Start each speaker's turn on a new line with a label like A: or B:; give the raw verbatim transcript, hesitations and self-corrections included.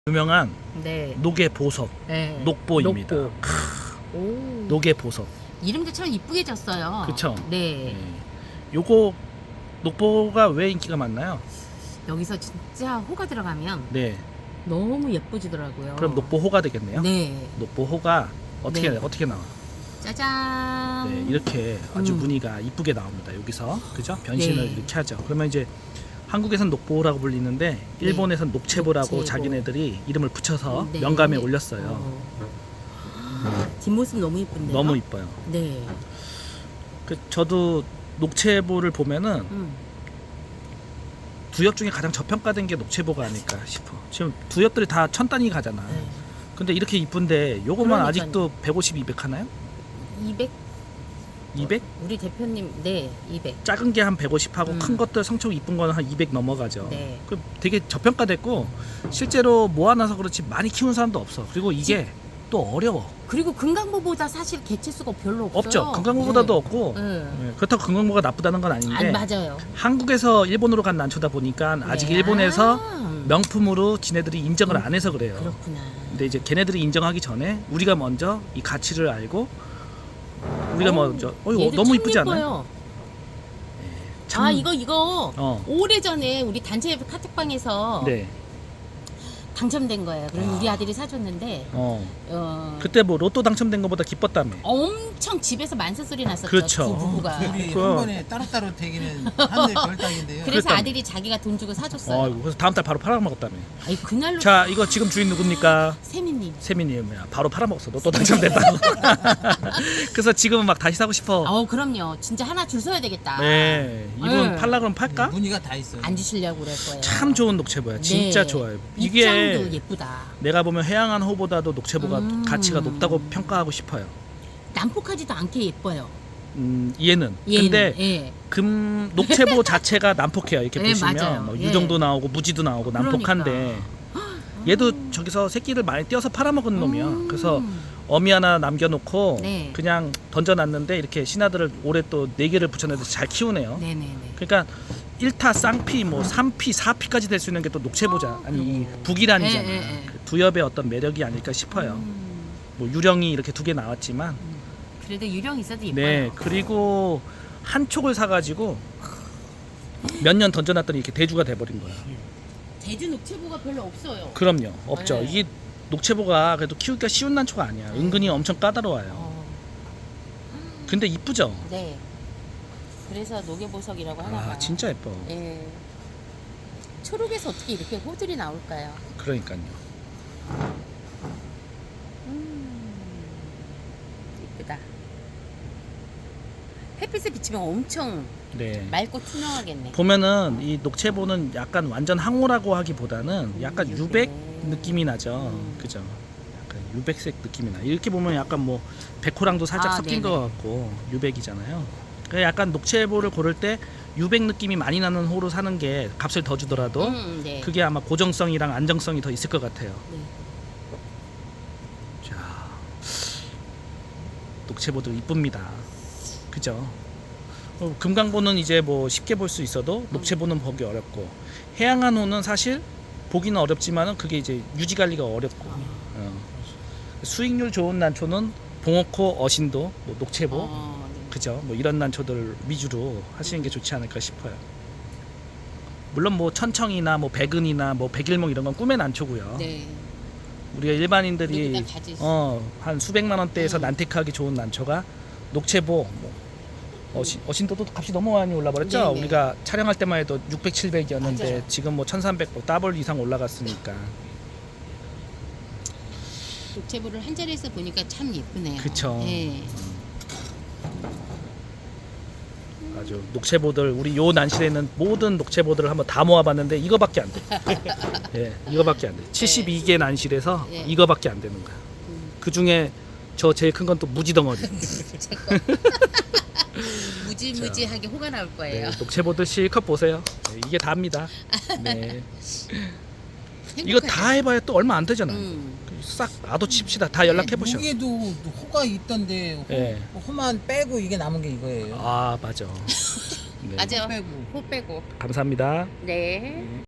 A: 유명한
B: 네.
A: 녹의 보석,
B: 네.
A: 녹보입니다.
B: 녹보.
A: 크,
B: 오.
A: 녹의 보석.
B: 이름도 참 이쁘게 졌어요.
A: 그쵸?
B: 네.
A: 네. 요거 녹보가 왜 인기가 많나요?
B: 여기서 진짜 호가 들어가면
A: 네.
B: 너무 예뻐지더라고요.
A: 그럼 녹보호가 되겠네요.
B: 네.
A: 녹보호가 어떻게
B: 네.
A: 어떻게 나와?
B: 짜잔.
A: 네, 이렇게 아주
B: 음.
A: 무늬가 이쁘게 나옵니다. 여기서 그죠? 변신을
B: 네.
A: 이렇게 하죠. 그러면 이제 한국에선 녹보호라고 불리는데 일본에선 녹체보라고
B: 녹체보.
A: 자기네들이 이름을 붙여서
B: 네.
A: 명감에 올렸어요.
B: 어. 뒷모습 너무 이쁜데요.
A: 너무 이뻐요.
B: 네.
A: 그 저도 녹체보를 보면은
B: 음.
A: 두엽 중에 가장 저평가된 게 녹체보가 아닐까 싶어. 지금 두엽들이 다 천 단위 가잖아.
B: 네.
A: 근데 이렇게 이쁜데 요거만
B: 그러니까요.
A: 아직도 백오십, 이백 하나요?
B: 이백.
A: 이백?
B: 우리 대표님 네 이백.
A: 작은 게 한 백오십 하고
B: 음.
A: 큰 것들 성청 이쁜 거는 한 이백 넘어가죠.
B: 네.
A: 그 되게 저평가됐고 실제로 모아놔서 그렇지 많이 키우는 사람도 없어. 그리고 이게 또 어려워.
B: 그리고 금강보보다 사실 개체수가 별로 없어요.
A: 없죠. 금강보다도
B: 네.
A: 없고
B: 네.
A: 네, 그렇다고 금강보가 나쁘다는 건 아닌데
B: 아, 맞아요.
A: 한국에서 일본으로 간 난초다 보니까 아직
B: 네.
A: 일본에서
B: 아.
A: 명품으로 지네들이 인정을
B: 음,
A: 안 해서 그래요.
B: 그렇구나.
A: 근데 이제 걔네들이 인정하기 전에 우리가 먼저 이 가치를 알고 우리가
B: 어우,
A: 먼저 어 이거
B: 얘도
A: 너무
B: 참
A: 이쁘지 않아요?
B: 예뻐요.
A: 참-
B: 아 이거 이거
A: 어.
B: 오래전에 우리 단체 카톡방에서
A: 네.
B: 당첨된 거예요. 그래서
A: 아.
B: 우리 아들이 사줬는데
A: 어.
B: 어,
A: 그때 뭐 로또 당첨된 것보다 기뻤다며.
B: 엄청 집에서 만세 소리 났었죠.
A: 그렇죠.
B: 두 부부가.
C: 둘이
A: 그-
C: 한 번에 따로따로 되기는 하늘 별따기인데요.
B: 그래서
A: 그랬다며.
B: 아들이 자기가 돈 주고 사줬어요.
A: 어, 그래서 다음 달 바로 팔아먹었다며.
B: 아니 그날로
A: 자, 이거 지금 주인 누굽니까?
B: 세미님.
A: 세민이야. 바로 팔아먹었어. 로또 당첨됐다고. 그래서 지금은 막 다시 사고 싶어.
B: 어 그럼요. 진짜 하나 줄 서야 되겠다.
A: 네. 이분
B: 네.
A: 팔라 그러면 팔까?
C: 무늬가 다 있어요.
B: 안 주시려고 그럴 거예요.
A: 참 좋은 녹채보야. 진짜
B: 네.
A: 좋아요.
B: 입장도
A: 이게
B: 예쁘다.
A: 내가 보면 해양한 호보다도 녹채보가
B: 음.
A: 가치가 높다고 평가하고 싶어요.
B: 난폭하지도 않게 예뻐요.
A: 음, 얘는.
B: 얘는.
A: 근데
B: 예.
A: 금 녹채보 자체가 난폭해요. 이렇게
B: 네,
A: 보시면
B: 맞아요.
A: 뭐
B: 예.
A: 유정도 나오고 무지도 나오고 난폭한데 얘도 저기서 새끼를 많이 띄어서 팔아먹은 놈이야.
B: 음.
A: 그래서 어미 하나 남겨놓고
B: 네.
A: 그냥 던져놨는데 이렇게 신하들을 올해 또 네 개를 붙여내서 잘 키우네요.
B: 네네네.
A: 그러니까 일 타 쌍피 뭐 삼 피 사 피까지 될 수 있는 게 또 녹채보자. 아니 이 북이란이잖아.
B: 예, 예, 예.
A: 그 두엽의 어떤 매력이 아닐까 싶어요.
B: 음,
A: 뭐 유령이 이렇게 두 개 나왔지만
B: 그래도 유령 있어도 예뻐요.
A: 네 그리고 한 촉을 사가지고 몇 년 던져놨더니 이렇게 대주가 돼버린 거야.
B: 제주 녹채보가 별로 없어요.
A: 그럼요 없죠.
B: 네.
A: 이게 녹채보가 그래도 키우기가 쉬운 난초가 아니야. 은근히 엄청 까다로워요.
B: 어,
A: 근데 이쁘죠.
B: 네. 그래서 녹여보석이라고 하나 봐요.
A: 아 진짜 예뻐.
B: 예. 초록에서 어떻게 이렇게 호들이 나올까요?
A: 그러니까요.
B: 음, 이쁘다. 햇빛에 비치면 엄청
A: 네.
B: 맑고 투명하겠네.
A: 보면은 이 녹채보는 약간 완전 항우라고 하기보다는 약간
B: 음,
A: 유백
B: 네.
A: 느낌이 나죠.
B: 음.
A: 그죠? 약간 유백색 느낌이 나. 이렇게 보면 약간 뭐 백호랑도 살짝
B: 아,
A: 섞인
B: 네네.
A: 것 같고 유백이잖아요. 그래서 약간 녹채보를 고를 때 유백 느낌이 많이 나는 호로 사는 게 값을 더 주더라도
B: 음, 네.
A: 그게 아마 고정성이랑 안정성이 더 있을 것 같아요.
B: 네.
A: 자, 녹채보도 이쁩니다. 그죠? 어, 금강보는 이제 뭐 쉽게 볼 수 있어도 녹채보는 보기 어렵고 해양한 호는 사실 보기는 어렵지만은 그게 이제 유지 관리가 어렵고 어. 수익률 좋은 난초는 봉어코, 어신도, 뭐 녹채보,
B: 어, 네.
A: 그죠? 뭐 이런 난초들 위주로 하시는 게 좋지 않을까 싶어요. 물론 뭐 천청이나 뭐 백은이나 뭐 백일몽 이런 건 꿈의 난초고요.
B: 네.
A: 우리가 일반인들이
B: 우리보다 가질 수-
A: 어, 한 수백만 원대에서
B: 음.
A: 난택하기 좋은 난초가 녹채보, 뭐 어신, 어신도도 값이 너무 많이 올라버렸죠.
B: 네네.
A: 우리가 촬영할 때만 해도 육백, 칠백이었는데
B: 맞아요.
A: 지금 뭐 천삼백, 더블 이상 올라갔으니까.
B: 녹채보를 한 자리에서 보니까 참 예쁘네요.
A: 그쵸.
B: 네.
A: 아주 녹채보들 우리 요 난실에 있는 모든 녹채보들을 한번 다 모아봤는데 이거밖에 안 돼. 예, 이거밖에 안 돼. 칠십이 개 난실에서
B: 네.
A: 이거밖에 안 되는 거야.
B: 음.
A: 그 중에 저 제일 큰 건 또 무지덩어리.
B: 무지무지하게 호가 나올
A: 네,
B: 거예요.
A: 녹채보들 실컷 보세요. 네, 이게 다입니다. 네. 이거
B: 행복하죠?
A: 다 해봐야 또 얼마 안 되잖아.
B: 음.
A: 싹 놔도 칩시다. 다 연락해 보셔.
C: 무게도 호가 있던데 호,
A: 예.
C: 호만 빼고 이게 남은 게 이거예요.
A: 아 맞아. 네,
B: 맞아요.
C: 빼고.
B: 호 빼고.
A: 감사합니다.
B: 네.